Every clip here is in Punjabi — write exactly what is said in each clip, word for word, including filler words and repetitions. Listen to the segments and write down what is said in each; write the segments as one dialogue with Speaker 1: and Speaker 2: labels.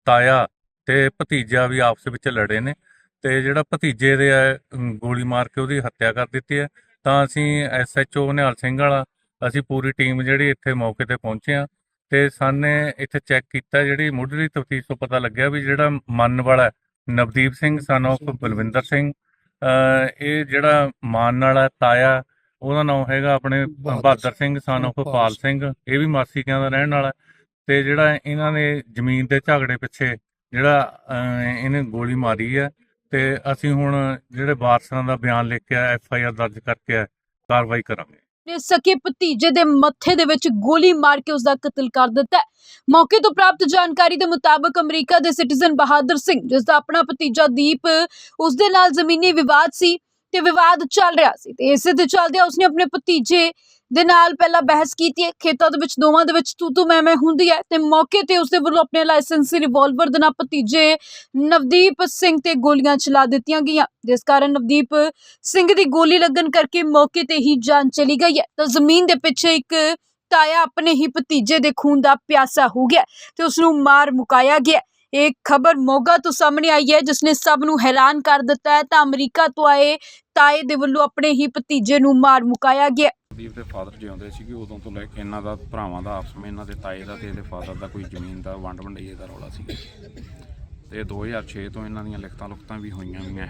Speaker 1: ਤਾਇਆ ਤੇ ਭਤੀਜਾ ਵੀ ਆਪਸ ਵਿੱਚ ਲੜੇ ਨੇ ਤੇ ਜਿਹੜਾ ਭਤੀਜੇ ਦੇ ਹੈ ਅਮ, ਗੋਲੀ ਮਾਰ ਕੇ ਉਹਦੀ ਹੱਤਿਆ ਕਰ ਦਿੱਤੀ ਹੈ। ਤਾਂ ਅਸੀਂ S H O Nihal Singh Wala ਅਸੀਂ ਪੂਰੀ ਟੀਮ ਜਿਹੜੀ ਇੱਥੇ ਮੌਕੇ ਤੇ ਪਹੁੰਚੇ ਹਾਂ ਤੇ ਸਾਨੇ ਇੱਥੇ ਚੈੱਕ ਕੀਤਾ, ਜਿਹੜੀ ਮੁੱਢਲੀ ਤਫਤੀਸ਼ ਤੋਂ ਪਤਾ ਲੱਗਿਆ ਵੀ ਜਿਹੜਾ ਮੰਨ ਵਾਲਾ ਹੈ, ਨਵਦੀਪ ਸਿੰਘ ਸਨ ਆਫ ਬਲਵਿੰਦਰ ਸਿੰਘ, ਅਹ ਇਹ ਜਿਹੜਾ ਮਾਨ ਵਾਲਾ ਤਾਇਆ ਉਹਦਾ ਨਾਮ ਹੈਗਾ ਆਪਣੇ ਬਹਾਦਰ ਸਿੰਘ ਸਨ ਆਫ ਪਾਲ ਸਿੰਘ, ਇਹ ਵੀ ਮਾਸੀਕਿਆਂ ਦਾ ਰਹਿਣ ਵਾਲਾ। ਤੇ ਜਿਹੜਾ ਇਹਨਾਂ ਨੇ ਜ਼ਮੀਨ ਦੇ ਝਗੜੇ ਪਿੱਛੇ ਜਿਹੜਾ ਅਹ, ਇਹਨੇ ਗੋਲੀ ਮਾਰੀ ਹੈ ਤੇ ਅਸੀਂ ਹੁਣ ਜਿਹੜੇ ਵਾਰਸਾਂ ਦਾ ਬਿਆਨ ਲਿਖ ਕੇ ਐਫ ਆਈ ਆਰ ਦਰਜ ਕਰਕੇ ਕਾਰਵਾਈ ਕਰਾਂਗੇ।
Speaker 2: ਨੇ ਸਕੇ ਭਤੀਜੇ ਦੇ ਮੱਥੇ ਦੇ ਵਿੱਚ ਗੋਲੀ ਮਾਰ ਕੇ ਉਸ ਦਾ ਕਤਲ ਕਰ ਦਿੱਤਾ ਹੈ। ਮੌਕੇ ਤੋਂ ਪ੍ਰਾਪਤ ਜਾਣਕਾਰੀ ਦੇ ਮੁਤਾਬਕ ਅਮਰੀਕਾ ਦੇ ਸਿਟੀਜ਼ਨ ਬਹਾਦਰ ਸਿੰਘ, ਜਿਸ ਦਾ ਆਪਣਾ ਭਤੀਜਾ ਦੀਪ ਉਸ ਦੇ ਨਾਲ ਜ਼ਮੀਨੀ ਵਿਵਾਦ ਸੀ ਤੇ ਵਿਵਾਦ ਚੱਲ ਰਿਹਾ ਸੀ ਤੇ ਇਸੇ ਦੇ ਚੱਲਦਿਆਂ ਉਸਨੇ ਆਪਣੇ ਭਤੀਜੇ ਦੇ ਨਾਲ ਪਹਿਲਾਂ ਬਹਿਸ ਕੀਤੀ ਹੈ। ਖੇਤਾਂ ਦੇ ਵਿੱਚ ਦੋਵਾਂ ਦੇ ਵਿੱਚ ਤੂੰ ਤੂੰ ਮੈਂ ਮੈਂ ਹੁੰਦੀ ਹੈ ਤੇ ਮੌਕੇ ਤੇ ਉਸਦੇ ਵੱਲੋਂ ਆਪਣੇ ਲਾਇਸੈਂਸੀ ਰਿਵਾਲਵਰ ਦੇ ਨਾਲ ਭਤੀਜੇ ਨਵਦੀਪ ਸਿੰਘ ਤੇ ਗੋਲੀਆਂ ਚਲਾ ਦਿੱਤੀਆਂ ਗਈਆਂ, ਜਿਸ ਕਾਰਨ ਨਵਦੀਪ ਸਿੰਘ ਦੀ ਗੋਲੀ ਲੱਗਣ ਕਰਕੇ ਮੌਕੇ ਤੇ ਹੀ ਜਾਨ ਚਲੀ ਗਈ ਹੈ। ਤਾਂ ਜ਼ਮੀਨ ਦੇ ਪਿੱਛੇ ਇੱਕ ਤਾਇਆ ਆਪਣੇ ਹੀ ਭਤੀਜੇ ਦੇ ਖੂਨ ਦਾ ਪਿਆਸਾ ਹੋ ਗਿਆ ਤੇ ਉਸ ਨੂੰ ਮਾਰ ਮੁਕਾਇਆ ਗਿਆ। ਇਹ ਖਬਰ ਮੋਗਾ ਤੋਂ ਸਾਹਮਣੇ ਆਈ ਹੈ, ਜਿਸ ਨੇ ਸਭ ਨੂੰ ਹੈਰਾਨ ਕਰ ਦਿੱਤਾ ਹੈ। ਤਾਂ ਅਮਰੀਕਾ ਤੋਂ ਆਏ ਤਾਏ ਦੇ ਵੱਲੋਂ ਆਪਣੇ ਹੀ ਭਤੀਜੇ ਨੂੰ ਮਾਰ ਮੁਕਾਇਆ ਗਿਆ।
Speaker 3: ਨਵਦੀਪ ਦੇ ਫਾਦਰ ਜਿਉਂਦੇ ਸੀਗੇ ਉਦੋਂ ਤੋਂ ਲੈ ਕੇ ਇਹਨਾਂ ਦਾ ਭਰਾਵਾਂ ਦਾ ਆਪਸ ਵਿੱਚ, ਇਹਨਾਂ ਦੇ ਤਾਏ ਦਾ ਤੇ ਇਹਦੇ ਫਾਦਰ ਦਾ ਕੋਈ ਜ਼ਮੀਨ ਦਾ ਵੰਡ ਵੰਡਈਏ ਦਾ ਰੌਲਾ ਸੀ ਤੇ ਦੋ ਹਜ਼ਾਰ ਛੇ ਤੋਂ ਇਹਨਾਂ ਦੀਆਂ ਲਿਖਤਾਂ ਲੁਖਤਾਂ ਵੀ ਹੋਈਆਂ ਵੀਆਂ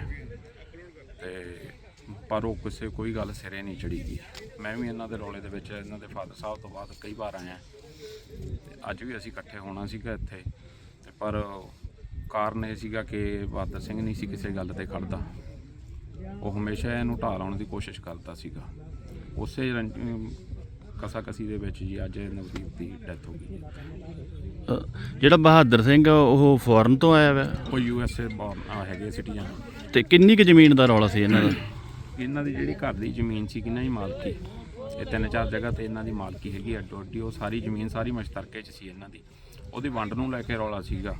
Speaker 3: ਤੇ ਪਰ ਉਹ ਕਿਸੇ ਕੋਈ ਗੱਲ ਸਿਰੇ ਨਹੀਂ ਚੜੀ ਗਈ। ਮੈਂ ਵੀ ਇਹਨਾਂ ਦੇ ਰੌਲੇ ਦੇ ਵਿੱਚ ਇਹਨਾਂ ਦੇ ਫਾਦਰ ਸਾਹਿਬ ਤੋਂ ਬਾਅਦ ਕਈ ਵਾਰ ਆਇਆ ਤੇ ਅੱਜ ਵੀ ਅਸੀਂ ਇਕੱਠੇ ਹੋਣਾ ਸੀਗਾ ਇੱਥੇ, ਪਰ ਕਾਰਨ ਇਹ ਸੀਗਾ ਕਿ ਬਹਾਦਰ ਸਿੰਘ ਨਹੀਂ ਸੀ ਕਿਸੇ ਗੱਲ ਤੇ ਖੜਦਾ, ਉਹ ਹਮੇਸ਼ਾ ਇਹਨੂੰ ਢਾਹ ਲਾਉਣ ਦੀ ਕੋਸ਼ਿਸ਼ ਕਰਦਾ ਸੀਗਾ। ਉਸੇ ਕਸਾ ਕਸੀ ਦੇ ਵਿੱਚ ਜੀ ਅੱਜ ਨਵਦੀਪ ਦੀ ਡੈਥ ਹੋ ਗਈ।
Speaker 4: ਜਿਹੜਾ ਬਹਾਦਰ ਸਿੰਘ ਆ ਉਹ ਫੋਰਨ ਤੋਂ ਆਇਆ ਵਾ,
Speaker 3: ਉਹ ਯੂ ਐਸ ਏ ਹੈਗੇ ਸਿਟੀਜ਼ਨ।
Speaker 4: ਤੇ ਕਿੰਨੀ ਕੁ ਜ਼ਮੀਨ ਦਾ ਰੌਲਾ ਸੀ ਇਹਨਾਂ ਦਾ?
Speaker 3: ਇਹਨਾਂ ਦੀ ਜਿਹੜੀ ਘਰ ਦੀ ਜ਼ਮੀਨ ਸੀ ਕਿੰਨਾ ਹੀ ਮਾਲਕੀ, ਇਹ ਤਿੰਨ ਚਾਰ ਜਗ੍ਹਾ ਤੇ ਇਹਨਾਂ ਦੀ ਮਾਲਕੀ ਹੈਗੀ ਅੱਡੋ ਅੱਡੀ, ਉਹ ਸਾਰੀ ਜ਼ਮੀਨ ਸਾਰੀ ਮਸ਼ਤਰਕੇ 'ਚ ਸੀ ਇਹਨਾਂ ਦੀ, ਉਹਦੀ ਵੰਡ ਨੂੰ ਲੈ ਕੇ ਰੌਲਾ ਸੀਗਾ।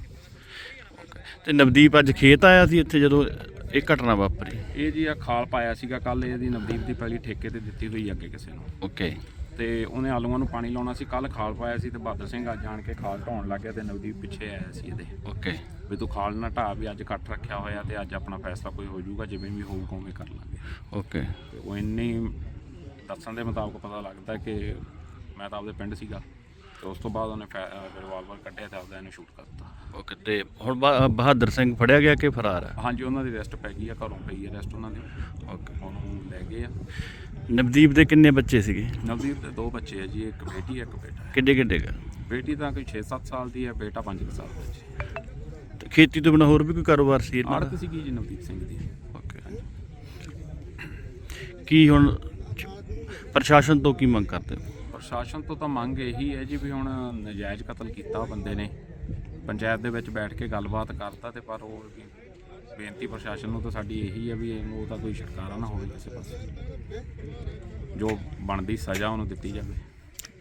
Speaker 4: ਤੇ ਨਵਦੀਪ ਅੱਜ ਖੇਤ ਆਇਆ ਸੀ ਇੱਥੇ ਜਦੋਂ ਇਹ ਘਟਨਾ ਵਾਪਰੀ?
Speaker 3: ਇਹ ਜੀ ਆ ਖਾਲ ਪਾਇਆ ਸੀਗਾ ਕੱਲ, ਇਹਦੀ ਨਵਦੀਪ ਦੀ ਪਹਿਲੀ ਠੇਕੇ ਤੇ ਦਿੱਤੀ ਹੋਈ ਅੱਗੇ ਕਿਸੇ ਨੂੰ,
Speaker 4: ਓਕੇ।
Speaker 3: ਤੇ ਉਹਨੇ ਆਲੂਆਂ ਨੂੰ ਪਾਣੀ ਲਾਉਣਾ ਸੀ, ਕੱਲ ਖਾਲ ਪਾਇਆ ਸੀ ਤੇ ਬਹਾਦਰ ਸਿੰਘ ਅੱਜ ਜਾਣ ਕੇ ਖਾਲ ਢਾਉਣ ਲੱਗ ਗਿਆ ਤੇ ਨਵਦੀਪ ਪਿੱਛੇ ਆਇਆ ਸੀ ਇਹਦੇ,
Speaker 4: ਓਕੇ,
Speaker 3: ਵੀ ਤੂੰ ਖਾਲ ਨਾ ਢਾਹ, ਵੀ ਅੱਜ ਇਕੱਠ ਰੱਖਿਆ ਹੋਇਆ ਤੇ ਅੱਜ ਆਪਣਾ ਫੈਸਲਾ ਕੋਈ ਹੋ ਜਾਊਗਾ, ਜਿਵੇਂ ਵੀ ਹੋਊਗਾ ਉਵੇਂ ਕਰ ਲਾਂਗੇ,
Speaker 4: ਓਕੇ।
Speaker 3: ਤੇ ਉਹ ਇੰਨੀ ਦੱਸਣ ਦੇ ਮੁਤਾਬਕ ਪਤਾ ਲੱਗਦਾ ਕਿ ਮੈਂ ਤਾਂ ਆਪਦੇ ਪਿੰਡ ਸੀਗਾ ਤੇ ਉਸ ਤੋਂ ਬਾਅਦ ਉਹਨੇ ਰਿਵਾਲਵਰ ਕੱਢਿਆ ਤੇ ਆਪਦਾ ਇਹਨੂੰ ਸ਼ੂਟ ਕਰਤਾ,
Speaker 4: ਓਕੇ। ਤੇ ਹੁਣ ਬਹਾ- ਬਹਾਦਰ ਸਿੰਘ ਫੜਿਆ ਗਿਆ ਕਿ ਫਰਾਰ ਹੈ?
Speaker 3: ਹਾਂਜੀ ਉਹਨਾਂ ਦੀ ਅਰੈਸਟ ਪੈ ਗਈ ਆ, ਘਰੋਂ ਪਈ ਹੈ ਅਰੈਸਟ ਉਹਨਾਂ ਦੀ,
Speaker 4: ਓਕੇ।
Speaker 3: ਉਹਨੂੰ ਲੈ ਗਏ ਆ।
Speaker 4: ਨਵਦੀਪ ਦੇ ਕਿੰਨੇ ਬੱਚੇ ਸੀਗੇ?
Speaker 3: ਨਵਦੀਪ ਦੇ ਦੋ ਬੱਚੇ ਆ ਜੀ, ਇੱਕ ਬੇਟੀ ਹੈ ਇੱਕ ਬੇਟਾ ਹੈ।
Speaker 4: ਕਿੱਡੇ ਕਿੱਡੇ ਗਾ?
Speaker 3: ਬੇਟੀ ਤਾਂ ਕੋਈ ਛੇ ਸੱਤ ਸਾਲ ਦੀ ਹੈ, ਬੇਟਾ ਪੰਜ ਸਾਲ ਦਾ ਜੀ।
Speaker 4: ਤੇ ਖੇਤੀ ਤੋਂ ਬਿਨਾਂ ਹੋਰ ਵੀ ਕੋਈ ਕਾਰੋਬਾਰ ਸੀ ਇਹਨਾਂ ਦਾ?
Speaker 3: ਆੜਤ ਸੀਗੀ ਜੀ ਨਵਦੀਪ ਸਿੰਘ ਦੀ।
Speaker 4: ਓਕੇ। ਕੀ ਹੁਣ ਪ੍ਰਸ਼ਾਸਨ ਤੋਂ ਕੀ ਮੰਗ ਕਰਦੇ ਹੋ?
Speaker 3: ਪ੍ਰਸ਼ਾਸਨ ਤੋਂ ਤਾਂ ਮੰਗ ਇਹੀ ਹੈ ਜੀ ਵੀ ਹੁਣ ਨਜਾਇਜ਼ ਕਤਲ ਕੀਤਾ ਬੰਦੇ ਨੇ, ਪੰਚਾਇਤ ਦੇ ਵਿੱਚ ਬੈਠ ਕੇ ਗੱਲਬਾਤ ਕਰਤਾ ਤੇ ਪਰ ਉਹ ਵੀ ਬੇਨਤੀ ਪ੍ਰਸ਼ਾਸਨ ਨੂੰ ਤਾਂ ਸਾਡੀ ਇਹੀ ਹੈ ਵੀ ਇਹਨੂੰ ਉਹਦਾ ਕੋਈ ਛੁਟਕਾਰਾ ਨਾ ਹੋਵੇ ਕਿਸੇ ਪਾਸੇ, ਜੋ ਬਣਦੀ ਸਜ਼ਾ ਉਹਨੂੰ ਦਿੱਤੀ ਜਾਵੇ।